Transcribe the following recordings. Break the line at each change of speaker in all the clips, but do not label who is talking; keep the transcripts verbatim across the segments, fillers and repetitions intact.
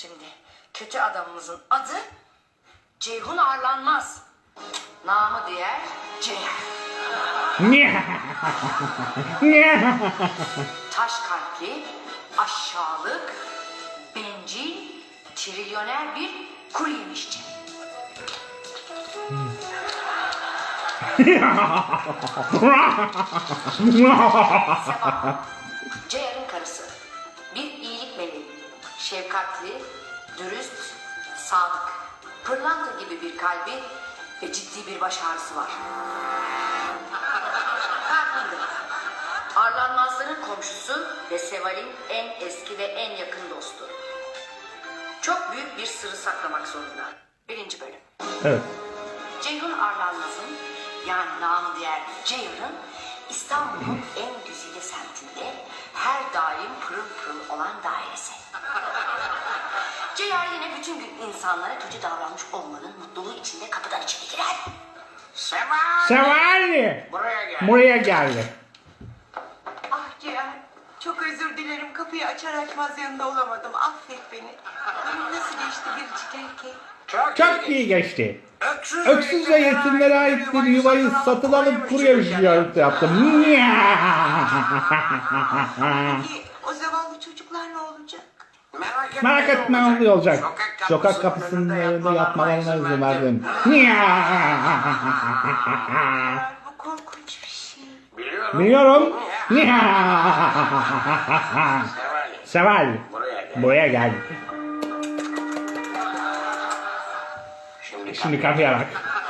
Şimdi kötü adamımızın adı Ceyhun Arlanmaz. Namı diğer Ceyhun. Taş kalpli, aşağılık, bencil, trilyoner bir kuru yemişçi. Sefa, Ceyhan'ın karısı. Bir iyilik meleği. Şefkatli, dürüst, sadık. Pırlanta gibi bir kalbi ve ciddi bir baş ağrısı var. Farkında. Arlanmazların komşusu ve Seval'in en eski ve en yakın dostu. Çok büyük bir sırrı saklamak zorunda. Birinci bölüm.
Evet.
Ceyhun Arlanmaz'ın, yani namı diğer Ceyhun'un İstanbul'un en güzide semtinde her daim pırıl pırıl olan dairesi. Ceyhun yine bütün gün insanlara kötü davranmış olmanın mutluluğu içinde kapıdan içeri girer. Seval!
Seval!
Buraya gel.
Buraya geldi.
Ah Cihan, çok özür dilerim. Kapıyı açar açmaz yanında olamadım. Affet beni. Günün nasıl geçti biricik erkeği?
Çok,
Çok iyi geçti.
Öksüz,
Öksüz ve yetimlere ait bir yuvayı satın alıp buraya ziyaret yaptım.
Peki o zavallı çocuklar ne olacak?
Merak etme ne olacak. Sokak kapısının önünde yatmalarına izin verdim.
Bu korkunç bir şey.
Biliyorum. Seval. Buraya gel. Şimdi kapıya bak.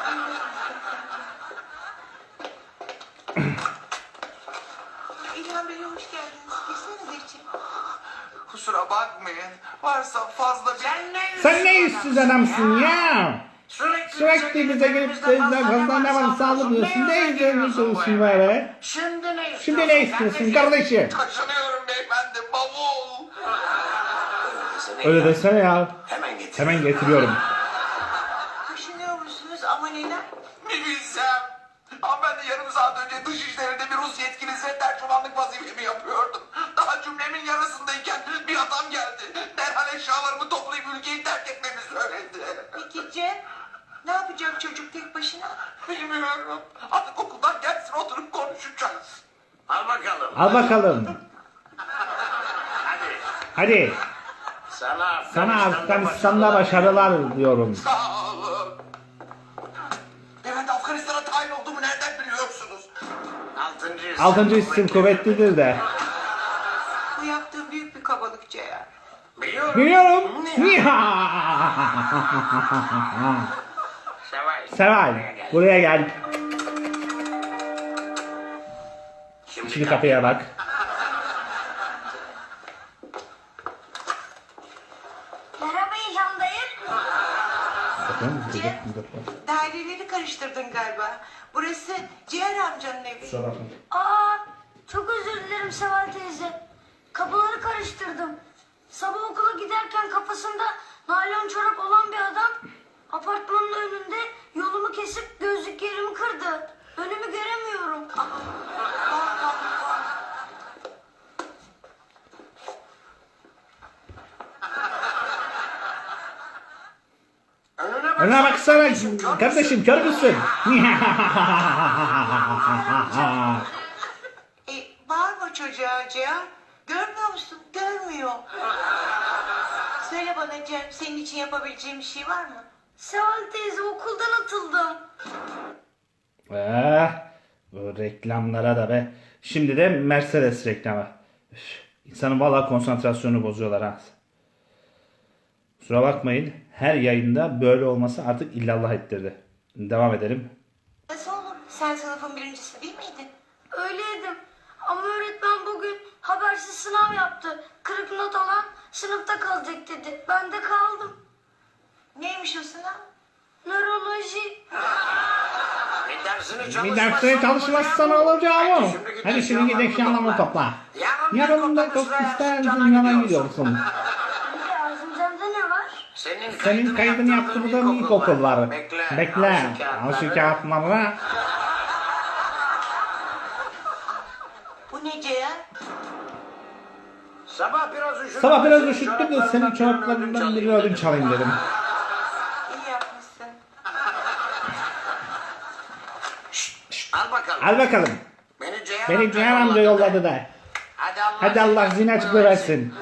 İlhan Bey hoş geldiniz. Girsenize içeri.
Kusura bakmayın. Varsa fazla bir...
Sen ne yüzsüz adamsın ya? Sürekli bize gelip de fazla ne var sağlamıyorsun. Ne izleniyorsun böyle?
Şimdi ne istiyorsun?
Şimdi ne istiyorsun kardeşim?
Taşınıyorum beyefendi. Bavul.
Öyle desene ya.
Hemen getir.
Hemen getiriyorum.
Taşınıyor musunuz ama neden?
Bir bilsem. Hanımefendi yarım saat önce dışişlerinde bir Rus yetkilisiyle tercümanlık vazifemi yapıyordum. Daha cümlemin yarısındayken bir adam geldi. Derhal eşyalarımı toplayıp ülkeyi terk etmemi söyledi.
Peki Cem? Ne yapacak çocuk tek başına?
Bilmiyorum. Artık okuldan gelsin oturup konuşacağız.
Al bakalım.
Al bakalım.
Hadi.
Hadi.
Sana
Sana Afganistan'da başarılar diyorum.
Sağ olun. Beyefendi Afganistan'a tayin olduğumu nereden biliyorsunuz?
Altıncı isim.
Altıncı isim kuvvetlidir de.
Bu yaptığın büyük bir kabalık Ceyhan.
Biliyorum.
Biliyorum.
Seval.
Seval. Buraya gel.
Şimdi,
Şimdi kapıya bak.
Merhaba İlhan dayı.
Daireleri karıştırdın galiba. Burası Cihan amcanın evi.
Aa, çok özür dilerim Seval teyze. Kapıları karıştırdım. Sabah okula giderken kafasında naylon çorap olan bir adam apartmanın önünde yolumu kesip gözlüklerimi kırdı. Önümü göremiyorum.
Önüne bak.
Önüne baksana kardeşim kör müsün?
E, bağırma çocuğa Cihan. Görmüyor musun? Görmüyor. Söyle bana Cem, senin için yapabileceğim bir şey var mı?
Seval teyze okuldan atıldım.
Eh, bu reklamlara da be. Şimdi de Mercedes reklamı. Üf, İnsanın valla konsantrasyonunu bozuyorlar ha. Kusura bakmayın. Her yayında böyle olması artık illallah ettirdi. Devam edelim.
Nasıl olur? Sen sınıfın birincisi değil miydin?
Öyleydim. Ama öğretmen bugün habersiz sınav yaptı. Kırık not alan sınıfta kalacak dedi. Ben de kaldım.
Neymiş o sınav?
Nöroloji.
Bir dersini
Bir dersine çalışmazsan olacağım o.
Hadi
Hadi şimdi gidip eşyalarını topla.
Yarın
Yarın da çok istersin yana gidiyorsun.
Bir Azimcan'da ne var?
Senin,
Senin kaydını yaptırdığın ilkokul var.
Bekle.
Bekle. Al şu kağıtları.
Bu ne Cihan?
Sabah biraz üşüdüm.
Sabah biraz üşüttüm de senin çoraplarından birini ödünç çalayım dedim.
İyi yapmışsın.
Al bakalım.
Al bakalım.
Beni Ceyhan,
Beni Cihan amca yolladı da.
Hadi Allah,
Hadi Allah zihin açıklığı versin.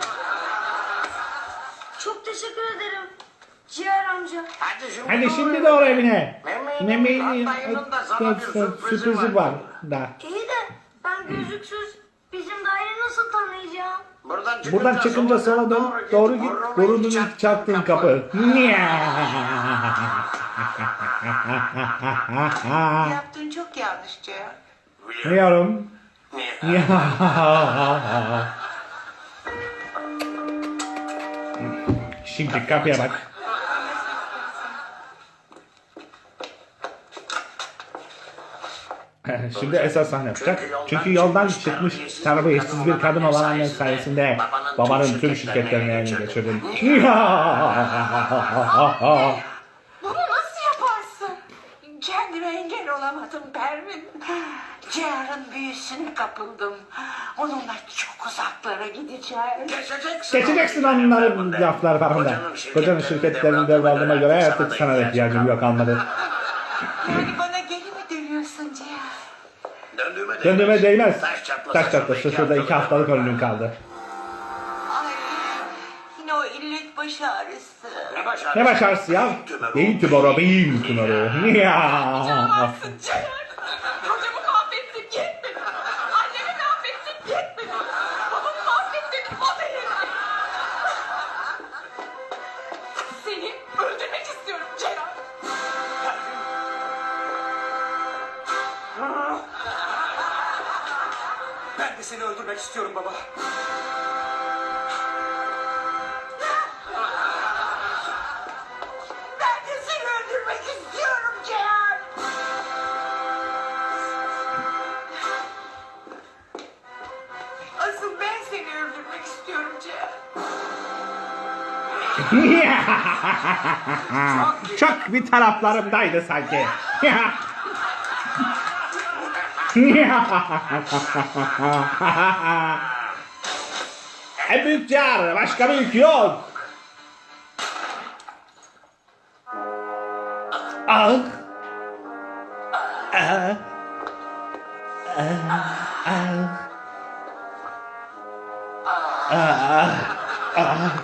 Çok teşekkür ederim. Ciğer amca.
Hadi şimdi,
Hadi
doğru.
şimdi doğru evine.
Mehmet'in
Mehmet'in
dayının da sana bir sürprizi
sürprizi var da.
İyi de ben gözlüksüz bizim daire nasıl tanıyacağım?
Buradan çıkınca,
Buradan çıkınca sola dön, doğru git, burunun ilk çarptığın kapı.
Yaptığın çok yanlış Cihan.
Biliyorum. Şimdi kapıya bak. Şimdi esas sahne yapacak. Çünkü yoldan çıkmış terbiyesiz bir kadın olan annen sayesinde babanın tüm şirketlerini eline geçirdin.
Bunu nasıl yaparsın? Kendime engel olamadım Pervin. Cihan'ın büyüsüne kapıldım. Onunla çok uzaklara gideceğim.
Geçeceksin.
Geçeceksin onların laflar falan da. Kocanın şirketlerini devraldığıma göre artık sana da ihtiyacım yok kalmadı.
Yani bana geri mi dönüyorsun Cihan?
Döndüğüme değmez.
Döndüğüme değmez.
Taş çatlasa
Taş çatlasa şurada iki haftalık ömrüm kaldı.
Ay, yine o illet baş ağrısı.
Ne başarısı?
Ne başarısı ya? Beyin tümörü, beyin tümörü. Ya.
Yapamazsın Cihan. Kocamı mahvettin yetmedi. Annemi mahvettin yetmedi. Babamı mahvettin o da yetmedi. Seni öldürmek istiyorum Cihan.
Ben de seni öldürmek istiyorum baba.
Ben de seni öldürmek istiyorum Cihan. Asıl ben seni öldürmek istiyorum Cihan.
Çok bir taraflarımdaydı sanki. En büyük car, başka büyük yok. Ah. Ah. Ah. Ah. Ah.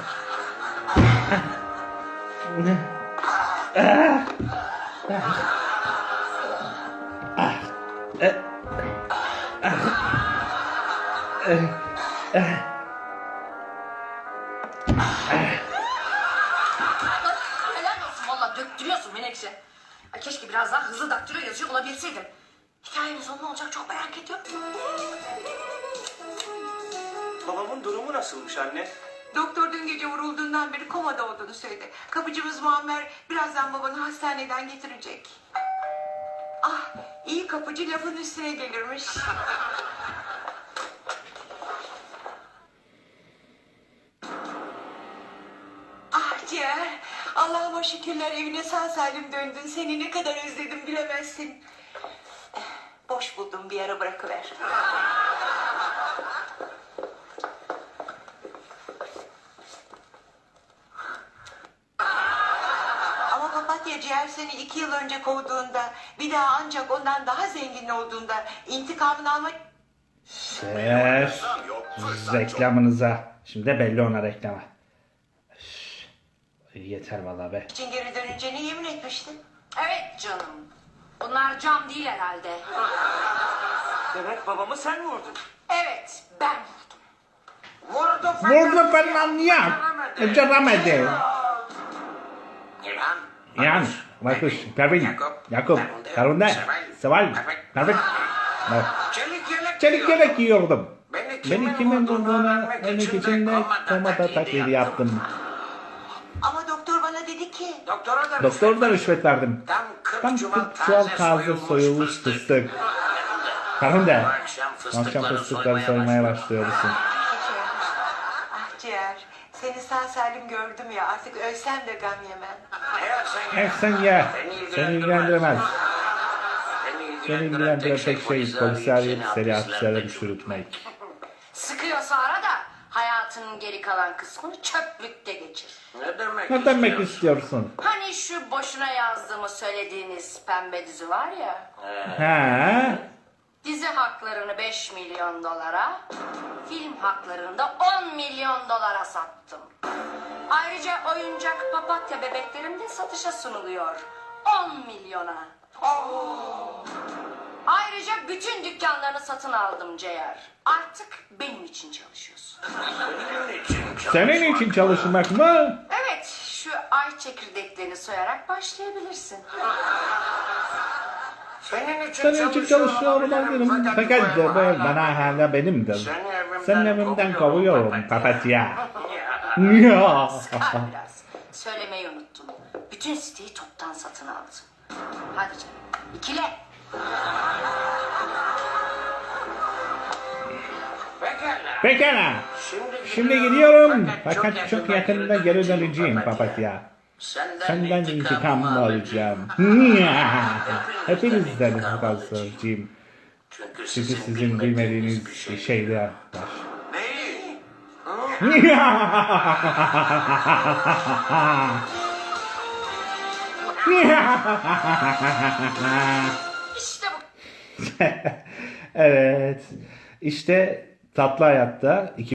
Helal olsun valla döktürüyorsun Menekşe. Ay keşke biraz daha hızlı daktilo yazıyor olabilseydim. Hikayenin sonu ne olacak çok merak ediyorum.
Babamın durumu nasılmış anne?
Doktor dün gece vurulduğundan beri komada olduğunu söyledi. Kapıcımız Muammer birazdan babanı hastaneden getirecek. Ah, iyi kapıcı lafın üstüne gelirmiş. Ah Ciğer, Allah'ıma şükürler evine sağ salim döndün. Seni ne kadar özledim bilemezsin. Eh, Boş buldum bir ara bırakıver. Ama papatya Ciğer seni iki yıl önce kovduğunda, bir daha ancak ondan daha zengin olduğunda intikamını almak...
Ses reklamınıza. Şimdi de belli ona reklama. Üf, yeter vallahi be.
için geri döneceğine yemin etmiştin.
Evet canım. Bunlar cam değil herhalde.
Demek babamı sen vurdun.
Evet ben vurdum.
Vurdu fakat
Vurdu falan ya. Beceremedi.
İlhan.
Yani, Markus, Pervin,
Yakup,
Yakup, Karunde, Seval, Pervin. Bak,
Çelik yelek
çelik
giyiyor.
yelek giyiyordum.
Beni
Beni kimin vurduğunu önlük için de komada taklidi yaptım.
Ama doktor bana dedi ki...
Doktora da
Doktora da rüşvet verdim.
Tam kırk
Tam
çuval
kırk çuval
taze
taze soyulmuş fıstık. Karunde,
Bu akşam
akşam
fıstıkları
fıstıkları soymaya başlıyorsun.
Ciğer. Ah Ciğer, seni sağ salim gördüm ya artık ölsem de gam yemem.
Eğer sen
Hep sen ye. Seni ilgilendiremez. Seni ilgilendiren tek şey polisi arayıp seni hapislere düşürtmek.
Sıkıyorsa ara da hayat hayatının geri kalan kısmını çöplükte geçir.
Ne demek
Ne demek
istiyorsun?
istiyorsun?
Hani şu boşuna yazdığımı söylediğiniz pembe dizi var ya.
He?
Dizi haklarını beş milyon dolara, film haklarını da on milyon dolara sattım. Ayrıca oyuncak papatya bebeklerim de satışa sunuluyor. on milyona. Ayrıca bütün dükkanlarını satın aldım Ceyar. Artık benim için çalışıyorsun.
Senin için çalışmak.
Senin için çalışmak mı?
Evet, şu ay çekirdeklerini soyarak başlayabilirsin.
Senin için
Senin için çalışıyor olabilirim. Fakat de bu bana hala benimdir.
Seni evimden
Senin evimden
kovuyorum,
kovuyorum
papatya.
papatya.
Ya.
Ya.
Sıkar biraz. Söylemeyi unuttum. Bütün siteyi toptan satın aldım. Hadi canım. İkile.
Pekala.
Pekala.
Şimdi,
Şimdi gidiyorum. Fakat çok yakında geri döneceğim papatya.
Senden,
Senden intikam
intikamımı
alacağım. Hepinizden intikam alacağım.
Çünkü
Çünkü
sizin,
sizin bilmediğiniz bir
şey.
şeyler var.
Neyi?
İşte bu.
Evet. İşte Tatlı Hayat'ta iki